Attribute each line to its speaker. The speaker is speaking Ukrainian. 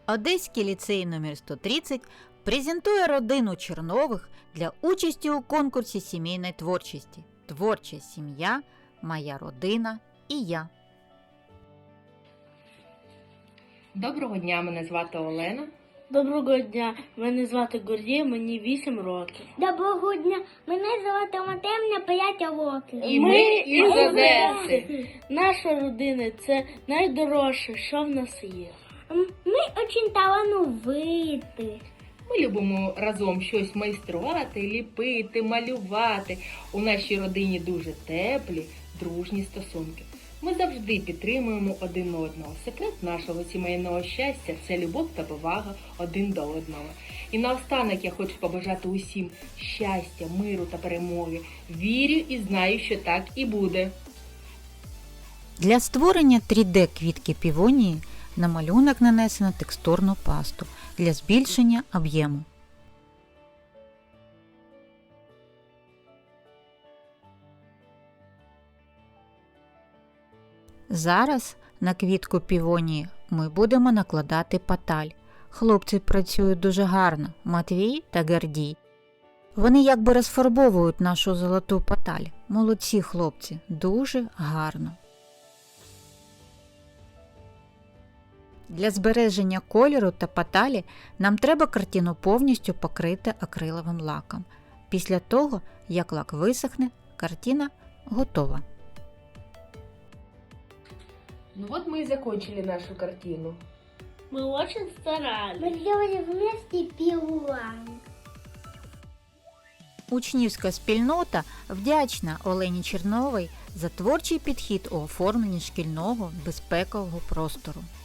Speaker 1: Одеський ліцей номер 130 презентує родину Чернових для участі у конкурсі сімейної творчості «Творча сім'я. Моя родина і я».
Speaker 2: Доброго дня, мене звати Олена.
Speaker 3: Доброго дня, мене звати Гордій, мені 8 років.
Speaker 4: Доброго дня, мене звати Матемня, 5 років.
Speaker 2: І ми із Одеси.
Speaker 3: Наша родина – це найдорожче, що в нас є.
Speaker 4: Ми дуже талановиті.
Speaker 2: Ми любимо разом щось майструвати, ліпити, малювати. У нашій родині дуже теплі, дружні стосунки. Ми завжди підтримуємо один одного. Секрет нашого сімейного щастя – це любов та повага один до одного. І наостанок я хочу побажати усім щастя, миру та перемоги. Вірю і знаю, що так і буде.
Speaker 1: Для створення 3D-квітки півонії на малюнок нанесено текстурну пасту для збільшення об'єму. Зараз на квітку півонії ми будемо накладати паталь. Хлопці працюють дуже гарно, Матвій та Гордій. Вони якби розфарбовують нашу золоту паталь. Молодці хлопці, дуже гарно. Для збереження кольору та паталі нам треба картину повністю покрити акриловим лаком. Після того, як лак висохне, картина готова.
Speaker 2: Ну вот мы и закончили нашу картину.
Speaker 3: Ми дуже старались.
Speaker 4: Ми зробили вместе пілон.
Speaker 1: Учнівська спільнота вдячна Олені Черновій за творчий підхід у оформленні шкільного безпекового простору.